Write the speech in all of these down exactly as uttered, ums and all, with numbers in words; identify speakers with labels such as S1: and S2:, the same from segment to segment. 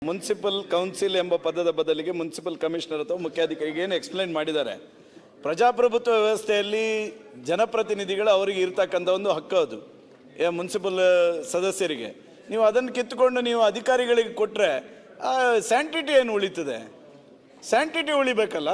S1: Municipal council ಎಂಬ ಪದದ ಬದಲಿಗೆ ಮುನ್ಸಿಪಲ್ ಕಮಿಷನರ್ ಅಥವಾ ಮುಖ್ಯಾಧಿಕಾರಿಗೆ ಏನು ಎಕ್ಸ್ಪ್ಲೈನ್ ಮಾಡಿದ್ದಾರೆ. ಪ್ರಜಾಪ್ರಭುತ್ವ ವ್ಯವಸ್ಥೆಯಲ್ಲಿ ಜನಪ್ರತಿನಿಧಿಗಳು ಅವರಿಗೆ ಇರ್ತಕ್ಕಂಥ ಒಂದು ಹಕ್ಕು, ಅದು ಮುನ್ಸಿಪಲ್ ಸದಸ್ಯರಿಗೆ. ನೀವು ಅದನ್ನು ಕಿತ್ತುಕೊಂಡು ನೀವು ಅಧಿಕಾರಿಗಳಿಗೆ ಕೊಟ್ಟರೆ ಸ್ಯಾಂಟಿಟಿ ಏನು ಉಳಿತದೆ? ಸ್ಯಾಂಟಿಟಿ ಉಳಿಬೇಕಲ್ಲ,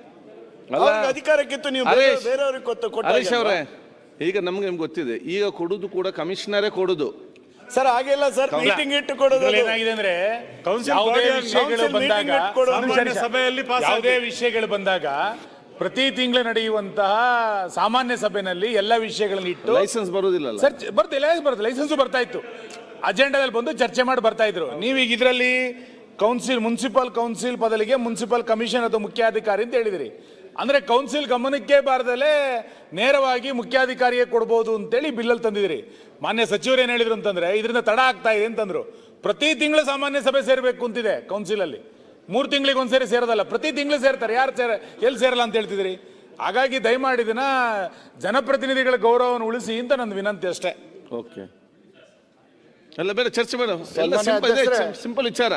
S1: ಅಧಿಕಾರ ಕಿತ್ತು ನೀವು ಬೇರೆಯವ್ರಿಗೆ ಕೊಟ್ಟು.
S2: ಈಗ ನಮ್ಗೆ ನಿಮ್ಗೆ ಗೊತ್ತಿದೆ, ಈಗ ಕೊಡುದು ಕೂಡ ಕಮಿಷನರೇ ಕೊಡುದು
S1: ಸರ್. ಹಾಗೆಲ್ಲ ಸರ್, ಮೀಟಿಂಗ್ ಇಟ್ಟು ಕೊಡೋದು
S3: ಏನಾಗಿದೆ ಅಂದ್ರೆ ಯಾವುದೇ ವಿಷಯಗಳು ಬಂದಾಗ ಸಭೆಯಲ್ಲಿ ಯಾವುದೇ ವಿಷಯಗಳು ಬಂದಾಗ ಪ್ರತಿ ತಿಂಗಳು ನಡೆಯುವಂತಹ ಸಾಮಾನ್ಯ ಸಭೆಯಲ್ಲಿ ಎಲ್ಲ ವಿಷಯಗಳನ್ನು ಇಟ್ಟು
S2: ಲೈಸೆನ್ಸ್ ಬರುವುದಿಲ್ಲ
S3: ಸರ್. ಬರ್ತಿಲ್ಲ, ಬರುತ್ತೆ, ಲೈಸೆನ್ಸ್ ಬರ್ತಾ ಇತ್ತು, ಅಜೆಂಡಾದಲ್ಲಿ ಬಂದು ಚರ್ಚೆ ಮಾಡಿ ಬರ್ತಾ ಇದ್ರು. ನೀವೀಗ ಇದರಲ್ಲಿ ಕೌನ್ಸಿಲ್ ಮುನ್ಸಿಪಲ್ ಕೌನ್ಸಿಲ್ ಬದಲಿಗೆ ಮುನ್ಸಿಪಲ್ ಕಮಿಷನ್ ಅಥವಾ ಮುಖ್ಯಾಧಿಕಾರಿ ಅಂತ ಹೇಳಿದಿರಿ. ಅಂದ್ರೆ ಕೌನ್ಸಿಲ್ ಗಮನಕ್ಕೆ ಬಾರದಲ್ಲೇ ನೇರವಾಗಿ ಮುಖ್ಯಾಧಿಕಾರಿಗೆ ಕೊಡ್ಬೋದು ಅಂತೇಳಿ ಬಿಲ್ಲಲ್ಲಿ ತಂದಿದ್ರಿ. ಮಾನ್ಯ ಸಚಿವರು ಏನು ಹೇಳಿದ್ರು ಅಂತಂದ್ರೆ ಇದರಿಂದ ತಡ ಆಗ್ತಾ ಇದೆ ಅಂತಂದ್ರು. ಪ್ರತಿ ತಿಂಗಳು ಸಾಮಾನ್ಯ ಸಭೆ ಸೇರ್ಬೇಕು ಅಂತಿದೆ ಕೌನ್ಸಿಲಲ್ಲಿ. ಮೂರು ತಿಂಗಳಿಗೆ ಒಂದ್ಸರಿ ಸೇರೋದಲ್ಲ, ಪ್ರತಿ ತಿಂಗಳು ಸೇರ್ತಾರೆ. ಯಾರು ಸೇರ ಎಲ್ಲಿ ಸೇರಲ್ಲ ಅಂತ ಹೇಳ್ತಿದ್ರಿ. ಹಾಗಾಗಿ ದಯಮಾಡಿ ಇದನ್ನ ಜನಪ್ರತಿನಿಧಿಗಳ ಗೌರವವನ್ನು ಉಳಿಸಿ ಅಂತ ನನ್ನ ವಿನಂತಿ ಅಷ್ಟೇ.
S2: ಓಕೆ, ಎಲ್ಲ ಬೇರೆ ಚರ್ಚೆ ಬೇಡ, ಸಿಂಪಲ್ ವಿಚಾರ.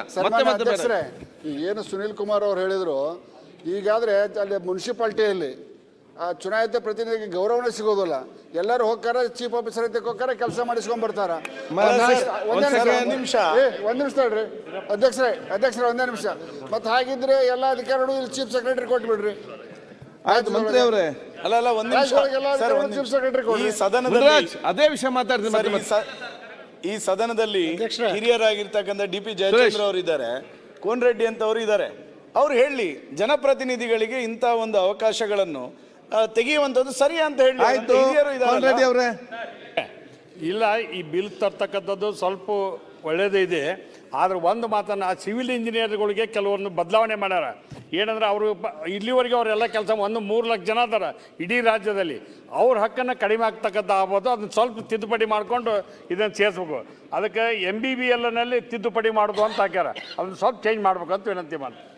S4: ಏನು ಸುನೀಲ್ ಕುಮಾರ್ ಅವ್ರು ಹೇಳಿದ್ರು, ಈಗಾದ್ರೆ ಅಲ್ಲಿ ಮುನ್ಸಿಪಾಲ್ಟಿಯಲ್ಲಿ ಆ ಚುನಾಯಿತ ಪ್ರತಿನಿಧಿಗೆ ಗೌರವನೇ ಸಿಗೋದಿಲ್ಲ. ಎಲ್ಲರೂ ಹೋಗ್ತಾರೆ, ಚೀಫ್ ಆಫೀಸರ್ ಅಂತ ಹೋಗ್ತಾರೆ, ಕೆಲಸ ಮಾಡಿಸ್ಕೊಂಡ್ ಬರ್ತಾರ. ಒಂದೇ ನಿಮಿಷ ಒಂದ್ ನಿಮಿಷ ತಡ್ರಿ ಅಧ್ಯಕ್ಷರೇ ಅಧ್ಯಕ್ಷರೇ ಒಂದೇ ನಿಮಿಷ. ಮತ್ತೆ ಹಾಗಿದ್ರೆ ಎಲ್ಲ ಅಧಿಕಾರಿಗಳು ಇಲ್ಲಿ ಚೀಫ್ ಸೆಕ್ರೆಟರಿ ಕೊಟ್ಬಿಡ್ರಿ.
S2: ಆಯ್ತು ಮಂತ್ರಿ ಅವರೇ.
S1: ಅಲ್ಲ ಅಲ್ಲ ಒಂದ್ ನಿಮಿಷ,
S4: ಚೀಫ್ ಸೆಕ್ರೆಟರಿ
S1: ಈ ಸದನದಲ್ಲಿ
S2: ಅದೇ ವಿಷಯ ಮಾತಾಡ್ತೀನಿ.
S1: ಈ ಸದನದಲ್ಲಿ ಹಿರಿಯರಾಗಿರ್ತಕ್ಕಂಥ ಡಿ ಪಿ ಜಯಚಂದ್ರ ಅವರು ಇದ್ದಾರೆ, ಕೋನ್ ರೆಡ್ಡಿ ಅಂತ ಅವರು ಇದ್ದಾರೆ. ಅವ್ರು ಹೇಳಿ ಜನಪ್ರತಿನಿಧಿಗಳಿಗೆ ಇಂಥ ಒಂದು ಅವಕಾಶಗಳನ್ನು ತೆಗೆಯುವಂಥದ್ದು ಸರಿ ಅಂತ ಹೇಳಿ.
S2: ಅವರೇ
S5: ಇಲ್ಲ, ಈ ಬಿಲ್ ತರ್ತಕ್ಕಂಥದ್ದು ಸ್ವಲ್ಪ ಒಳ್ಳೇದೇ ಇದೆ. ಆದ್ರೆ ಒಂದು ಮಾತನ್ನು ಆ ಸಿವಿಲ್ ಇಂಜಿನಿಯರ್ಗಳಿಗೆ ಕೆಲವೊಂದು ಬದಲಾವಣೆ ಮಾಡ್ಯಾರ. ಏನಂದ್ರೆ ಅವರು ಇಲ್ಲಿವರೆಗೆ ಅವರೆಲ್ಲ ಕೆಲಸ ಒಂದು ಮೂರು ಲಕ್ಷ ಜನ ಅದಾರ ಇಡೀ ರಾಜ್ಯದಲ್ಲಿ. ಅವ್ರ ಹಕ್ಕನ್ನು ಕಡಿಮೆ ಆಗ್ತಕ್ಕಂಥ ಆಗ್ಬೋದು. ಅದನ್ನ ಸ್ವಲ್ಪ ತಿದ್ದುಪಡಿ ಮಾಡಿಕೊಂಡು ಇದನ್ನು ಸೇರಿಸ್ಬೇಕು. ಅದಕ್ಕೆ ಎಮ್ ಬಿ ಬಿ ಎಲ್ನಲ್ಲಿ ತಿದ್ದುಪಡಿ ಮಾಡೋದು ಅಂತ ಹಾಕ್ಯಾರ. ಅದನ್ನ ಸ್ವಲ್ಪ ಚೇಂಜ್ ಮಾಡ್ಬೇಕು ಅಂತ ವಿನಂತಿ ಮಾಡಿ.